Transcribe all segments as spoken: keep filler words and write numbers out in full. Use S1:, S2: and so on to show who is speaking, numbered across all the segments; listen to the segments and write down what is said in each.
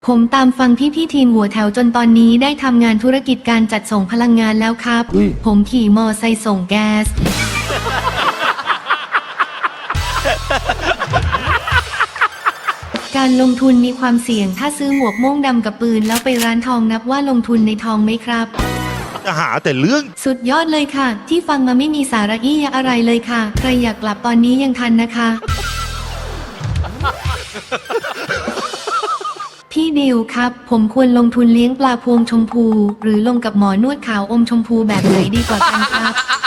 S1: ผมตามฟังพี่พี่ทีมหัวแถวจนตอนนี้ได้ทำงานธุรกิจการจัดส่งพลังงานแล้วครับ ผมขี่มอไซค์ส่งแก๊ส การลงทุนมีความเสี่ยงถ้าซื้อหมวกโม่งดำกับปืนแล้วไปร้านทองนับว่าลงทุนในทองไหมครับ
S2: จะหาแต่เรื่อง
S1: สุดยอดเลยค่ะ ที่ฟังมาไม่มีสาระอี้ยะอะไรเลยค่ะ ใครอยากกลับตอนนี้ยังทันนะคะ พี่ดิวครับ ผมควรลงทุนเลี้ยงปลาพวงชมพู หรือลงกับหมอนวดขาวอมชมพูแบบไหนดีกว่ากันครับ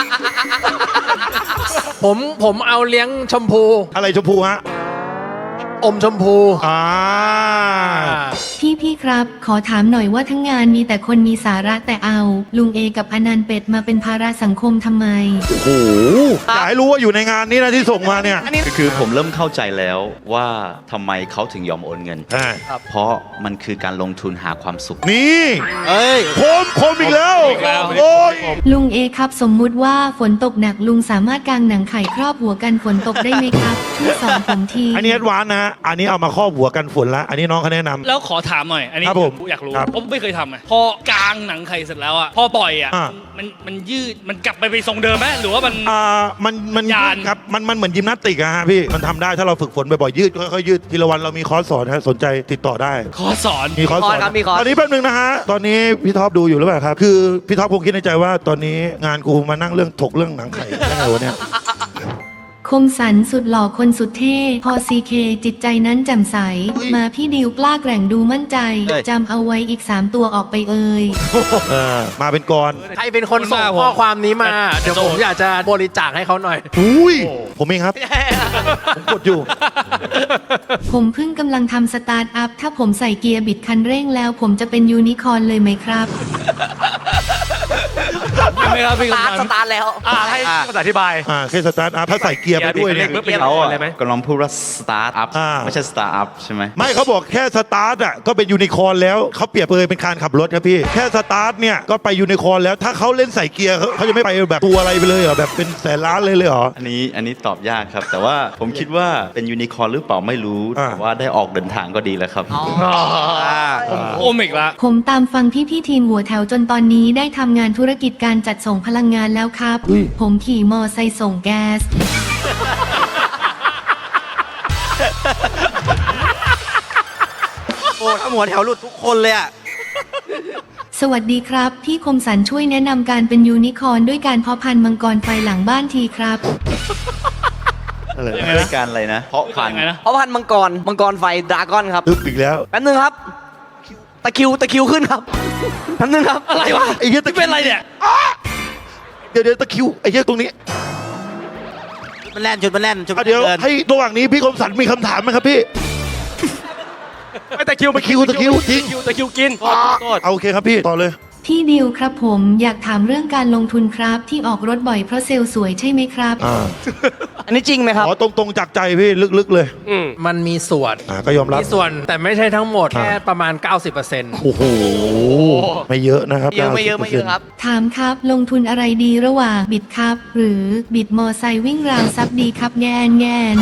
S3: ผมผมเอาเลี้ยงชมพู
S2: อะไรชมพูฮะ
S3: อมชมพู
S2: อ่า
S1: พี่พี่ครับ ขอถามหน่อยว่าทั้งงานมีแต่คนมีสาระแต่เอา ลุงเอกับอนันต์เป็ดมาเป็นภาระสังคมทำไม
S2: โอ้โหอยากให้รู้ว่าอยู่ในงานนี้นะที่ส่งมาเนี่ย
S4: คือผมเริ่มเข้าใจแล้วว่าทำไมเขาถึงยอมโอนเงิน
S2: ใช่
S4: เพราะมันคือการลงทุนหาความสุข
S2: นี่
S3: เอ้ย
S2: โคมโคมอีกแล้ว
S3: อีกแล้ว
S2: โอ้ย
S1: ลุงเอครับสมมุติว่าฝนตกหนักลุงสามารถกางหนังไข่ครอบหัวกันฝนตกได้ไหมครับช่วยสอนผมที
S2: อันนี้แอดวานซ์นะฮะอันนี้เอามาครอบหัวกันฝนละอันนี้น้องเขาแนะนำ
S5: แล้วขอถามหน่อย อันนี้
S2: ครับผม
S5: อยากรู้
S2: ครับ
S5: ผมไม่เคยทำไงพอกางหนังไข่เสร็จแล้วอ่ะพอปล่อยอ่ะ
S2: อ่า
S5: มันมันยืดมันกลับไปไปทรงเดิมไหมหรือว่ามัน
S2: อ่ามันมัน
S5: ยาน
S2: ครับมันมันเหมือนยิมนาสติกอะฮะพี่มันทำได้ถ้าเราฝึกฝนบ่อยๆยืดค่อยๆยืดทีละวันเรามีคอร์สสอนฮะสนใจติดต่อได้
S5: ขอสอน
S2: มีคอร์สสอน
S3: ครับมีคอร์ส
S2: ตอนนี้แป๊บนึงนะฮะตอนนี้พี่ท็อปดูอยู่หรือเปล่าครับคือพี่ท็อปคงคิดในใจว่าตอนนี้งานกูมานั่งเรื่องถกเรื่องหนังไข่ได้ไงวะเนี่ย
S1: คมสันสุดหล่อคนสุดเท่ พอซีเคจิตใจนั้นแจ่มใส มาพี่ดิวกล้าแกร่งดูมั่นใจ
S3: เอ้ย
S1: จำเอาไว้อีกสามตัวออกไปเอ่ย
S2: เออมาเป็นกร
S3: ใครเป็นคนส่งข้อความนี้มา เดี๋ยวผมอยากจะบริจาคให้เขาหน่อย
S2: อุ้ยผมเองครับ ผมกดอยู่
S1: ผมเพิ่งกำลังทำสตาร์ทอัพ ถ้าผมใส่เกียร์บิดคันเร่งแล้ว ผมจะเป็นยูนิคอร์นเลยไหมครับ
S5: ใช่ไหมครับพี่
S6: สตาร์ท
S5: กำ
S6: ส
S5: นัน
S6: ตาร์ทแล้ว
S3: อ่าให้ภาษาอธิบาย
S2: อ่าแค่สตาร์ทอัพถ้าใส่เกียร์ไปด้วยเนี่ย
S3: เกียร์
S4: เขา
S3: เกียร์
S4: อะ
S3: อะไรไหม
S4: กำลังพูดว่าสตาร์ทอัพ
S2: อ่า
S4: ไม่ใช่สตาร์ทอัพใช่ไหม
S2: ไม่เขาบอกแค่สตาร์ทอ่ะก็เป็นยูนิคอร์นแล้วเขาเปรียบเลยเป็นการขับรถครับพี่ แค่สตาร์ทเนี่ยก็ไปยูนิคอร์นแล้วถ้าเขาเล่นใส่เกียร์เขาเขาจะไม่ไปแบบตัวอะไรไปเลยเหรอแบบเป็นแสนล้านเลยเลยเหรอ
S4: อันนี้อันนี้ตอบยากครับ แต่ว่าผมคิดว่าเป็นยูนิคอร์นหรือเปล่าไม่รู้
S2: อ่า
S4: แต่ว่าได้ออกเดินทางก็ดีแล้วครับ
S5: โอมิกละ
S1: ผมตามฟังพี่พี่ทีมหัวแถวจนตอนนี้ได้ทำงานธุรกิจการจัดส่งพลังงานแล้วครับ ผมขี่มอไซค์ส่งแก๊ส
S6: โอ้ถ้าหัวแถวหลุดทุกคนเลยอ่ะ
S1: สวัสดีครับ พี่คมสันช่วยแนะนำการเป็นยูนิคอร์นด้วยการเพาะพันธุ์มังกรไฟหลังบ้านทีครับ
S2: อะไร
S5: ยังไง
S4: ด้ว
S5: นะ
S4: ยการอะไรนะ เพราะพัน
S5: ยังไงนะ
S6: เพราะพันธุ์มังกร มังกรไฟดราก้อนครับ
S2: ตึ๊บอีกแล้ว
S6: แป๊บนึงครับ ตะคริว ตะคริวขึ้นครับ แป๊บนึงครับ
S5: อะไรวะ
S2: ไอ้เหี้ยตะคริว
S5: เป็นอะไรเนี่ย
S2: เดี๋ยวเดี๋ยวตะคริวไอ้เหี้ยตรงนี้
S6: มันแล่นจุดมันแล่นจุด
S2: อ่ะเดี๋ยว
S6: เดิน
S2: ให้ระหว่างนี้พี่คมสันมีคำถามไหมครับพี่
S3: ไม่ตะคริว
S2: ตะคริวตะคริวจริง
S3: ตะคริวกินโทษโทษ
S2: เอาโอเคครับพี่ต่อเลย
S1: พี่ดิวครับผมอยากถามเรื่องการลงทุนครับที่ออกรถบ่อยเพราะเซลล์สวยใช่ไหมครับ
S2: อ่า
S6: อันนี้จริงไหมครับ
S2: ขอตรงๆจากใจพี่ลึกๆเลย
S3: อืมมันมีส่วน
S2: อ่าก็ยอมรับ
S3: มีส่วนแต่ไม่ใช่ทั้งหมด
S2: อ่า
S3: แค่ประมาณ เก้าสิบเปอร์เซ็นต์
S2: โอ้โหไม่เยอะนะครับ
S6: เยอะไม่เยอะไม่เยอะครับ
S1: ถามครับลงทุนอะไรดีระหว่างบิดครับ หรือบิดมอไซค์วิ่งราวซับดีครับแงนแงน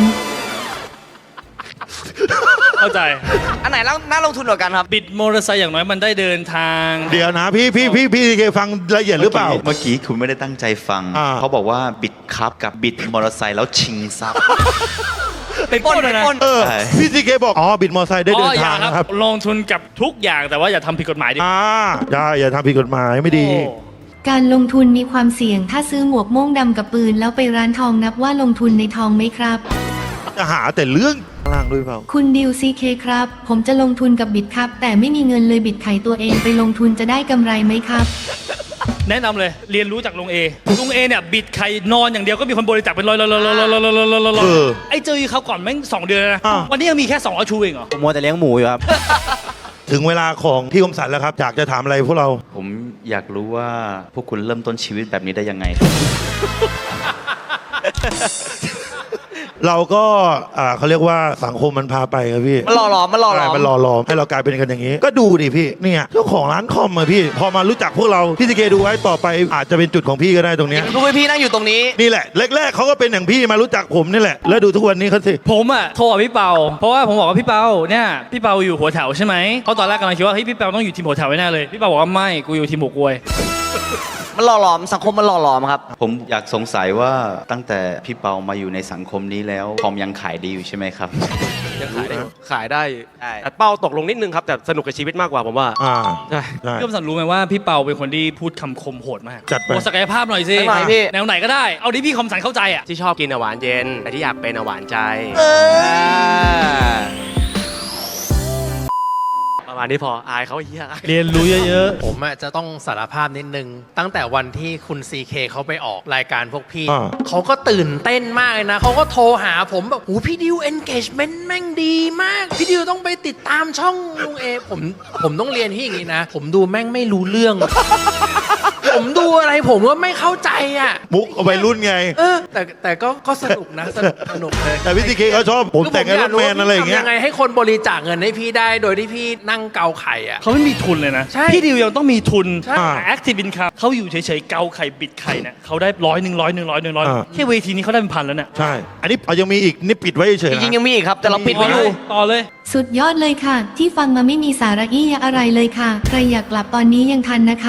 S5: เข้าใจ
S6: อันไหนน่าลงทุนกว่ากันครับ
S5: บิดมอเตอร์ไซค์อย่างน้อยมันได้เดินทาง
S2: เดี๋ยวนะพี่พี่พี่พี่เคฟังละเอียดหรือเปล่า
S4: เมื่อกี้คุณไม่ได้ตั้งใจฟัง
S2: อ่า
S4: เขาบอกว่าบิดคับกับบิดมอเตอร์ไซค์แล้วชิงทรัพย์
S5: เป็นปล้นเลยนะ
S6: ปล้น
S2: เออ
S4: ใช่
S2: พี่ซีเคบอกอ๋อบิดมอเตอร์ไซค์ได้
S5: อ๋
S2: เดิ
S5: อน อย่า
S2: ทาง
S5: ครับ
S2: นะครับ
S5: ลงทุนกับทุกอย่างแต่ว่าอย่าทำผิดกฎหมายดิ
S2: อ่าอย่าอย่าทำผิดกฎหมายไม่ดี
S5: โอ้
S1: การลงทุนมีความเสี่ยงถ้าซื้อหมวกโม่งดำกับปืนแล้วไปร้านทองนับว่าลงทุนในทองไหมครับ
S2: จะหาแต่เรื่องข้างล่างด้วยเปล่า
S1: คุณดิวซีเคครับ ผมจะลงทุนกับบิตครับ แต่ไม่มีเงินเลยบิดไข่ตัวเองไปลงทุนจะได้กำไรไหมครับ
S5: แนะนำเลยเรียนรู้จากลุงเอลุงเอเนี่ยบิดไข่นอนอย่างเดียวก็มีคนบริจาคเป็นร้อยร้อยร้อยร้อยร้อยร้อยร้อยร้อย
S2: เออ
S5: ไอ้เจอเขาก่อนแม่งสองเดือนแล้วนะ
S2: อ่า
S5: วันนี้ยังมีแค่สองอาชูเองเหรอ
S6: ผมมัวแต่เลี้ยงหมูอยู่ครับ
S2: ถึงเวลาของพี่คมสันแล้วครับอยากจะถามอะไรพวกเรา
S4: ผมอยากรู้ว่าพวกคุณเริ่มต้นชีวิตแบบนี้ได้ยังไง
S6: ร
S2: เราก็อ่าเขาเรียกว่าสังคมมันพาไปครับพี่
S6: มันหล่อหลอมมันหล่อหลอม
S2: ใช่มันหล่อหลอมให้เรากลายเป็นกันอย่างนี้ ก็ดูดิพี่เนี่ยเจ้าของร้านคอมอะพี่ พอมารู้จักพวกเราพี่ซีเคดูไว้ต่อไปอาจจะเป็นจุดของพี่ก็ได้ตรงเนี้ย
S6: ดูไว้พี่นั่งอยู่ตรงนี้
S2: นี่แหละแรกๆเขาก็เป็นอย่างพี่มารู้จักผมนี่แหละแล้วดูทุกวันนี้เขาสิ
S5: ผมอ่ะโทรกับพี่เปาเพราะว่าผมบอกว่าพี่เปาเนี่ยพี่เปาอยู่หัวแถวใช่ไหมเขาตอนแรกกำลังคิดว่าเฮ้ยพี่เปาต้องอยู่ทีมหัวแถวแน่เลยพี่เปาบอกว่าไม่กูอยู่ทีมหัวกล้วย
S6: มันหล่อหลอมสังคมมันหล่อหลอมครับ
S4: ผมอยากสงสัยว่าตั้งแต่พี่เปามาอยู่ในสังคมนี้แล้วคอมยังขายดีอยู่ใช่ไหมครับ
S7: ยังขายได้ขายได้
S6: ใช่
S7: แต่เป้าตกลงนิดนึงครับ แต่สนุกกับชีวิตมากกว่าผมว่า
S2: อ่า
S7: ใช่
S2: ใช่
S5: พี่คมสันรู้ไหมว่าพี่เปาเป็นคนที่พูดคำคมโหดมาก
S2: จัดไป
S5: โอ้ศักยภาพหน่อยสิ
S6: หน่อยพี่
S5: แนวไหนก็ได้เอาที่พี่คมสันเข้าใจอ่ะ
S7: ที่ชอบกินอะหวานเย็น แต่ที่อยากเป็นอะหวานใจ
S6: เออ
S7: ประมาณนี้พออายเขาเฮีย
S5: เรียนรู้เยอะ
S3: ผมอะจะต้องสารภาพนิดนึง ตั้งแต่วันที่คุณ ซี เค เขาไปออกรายการพวกพี่
S2: อ่า
S3: เขาก็ตื่นเต้นมากเลยนะ เขาก็โทรหาผมแบบหูพี่ดิว engagement แม่งดีมาก พี่ดิวต้องไปติดตามช่องลุงเอ ผมผมต้องเรียนที่อย่างนี้นะ ผมดูแม่งไม่รู้เรื่อง ผมดูอะไรผมก็ไม่เข้าใจอ่ะ
S2: มุกเอาไปรุ่นไง
S3: เออ แต่แต่ก็ก็สนุกนะสนุกสนุกเลย
S2: แต่พี่ซีเคเขาชอบผมแต่งไอ้รถแมนอะไรอย่างเงี้ย
S3: ทำยังไงให้คนบริจาคเงินให้พี่ได้โดยที่พี่นั่งเกาไข่อ่ะ
S5: ๆเขาไม่มีทุนเลยนะ
S3: ใช่
S5: พี่ดิวยังต้องมีทุน
S3: ใช่
S5: แอคทีฟอินคัมเขาอยู่เฉยๆเกาไข่บิดไข่เนี่ยเขาได้ร้อยหนึ่งร้อยหนึ่งร้อยหนึ่งร้อย
S2: อ่า
S5: แค่เวทีนี้เขาได้เป็นพันแล้วเนี่ย
S2: ใช่ อันนี้เอายังมีอีกนี่ปิดไว้เฉย
S6: จ
S2: ๆ
S6: ริงๆ
S2: นะ
S6: ยังมีอีกครับ แต่เราปิดไว้อยู่
S5: ต่อเลย
S1: สุดยอดเลยค่ะ ที่ฟังมาไม่มีสาระอี้ยะอะไรเลยค่ะ ใครอยากกลับตอนนี้ยังทันนะคะ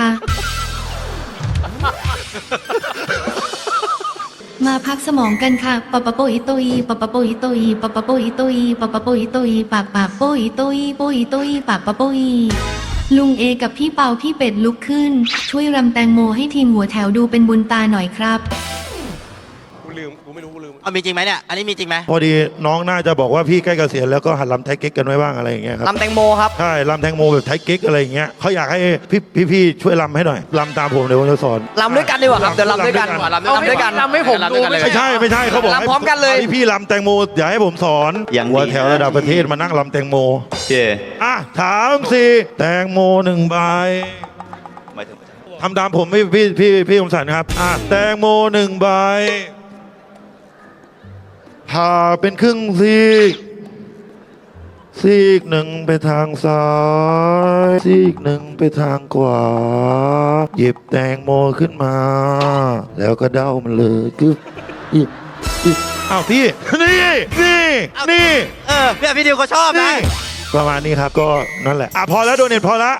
S1: มาพักสมองกันค่ะปะปะโปอิโตอีปะปะโปอิโตอีปะปะโปอิโตอีปะปะโปอิโตอีปากปากโปอิโตอีโปอิโตอีปากปะโปอีลุงเอกับพี่เปาพี่เป็ดลุกขึ้น ช่วยรำแตงโมให้ทีมหัวแถวดูเป็นบุญตาหน่อยครับ
S7: กูลืม กูไม่รู้ กูลืม
S6: เอามีจริงไหมเนี่ย อันนี้มีจริงไหม
S2: พอดีน้องน่าจะบอกว่าพี่ใกล้เกษียณแล้วก็หัดลำไทยเก๊กกันไว้บ้างอะไรอย่างเงี้ยครับ
S6: ลำแตงโมครับ
S2: ใช่ลำแตงโมแบบไทยเก๊กอะไรอย่างเงี้ยเขาอยากให้พี่พี่พี่ช่วยลำให้หน่อยลำตามผมเดี๋ยวผมจะสอน
S6: ลำด้วยกันดีกว่าครับ เดี๋ยวลำด้วยกัน
S2: ลำ
S6: ลำด้วยกัน
S3: ลำให้ผมดูไม่
S2: ไม่ใช่ไม่ใช่เขาบอกให้
S6: ลำพร้อมกันเลย
S2: พี่พี่ลำแตงโมอย่าให้ผมสอน
S4: อย่างดี
S2: หัวแถวระดับประเทศมานั่งลำแตงโม
S4: เจ
S2: อ่ะถามสิแตงโมหนึ่งใบ
S4: หมายถึง
S2: ทำตามผมพี่พี่พี่พี่คมสันครับอ่ะแตงโมหนึ่งใบผ่าเป็นครึ่งซีกซีกหนึ่งไปทางซ้ายซีกหนึ่งไปทางขวา หยิบแตงโมขึ้นมา แล้วก็เด้ามันเลยกึ๊บอึ๊บอึ๊บอ้าวพี่ นี่นี่นี่
S6: เออพี่พี่ดิวเขาชอบนะ
S2: นี่ประมาณนี้ครับก็นั่นแหละอ่ะพอแล้วโดเน็ตพอละ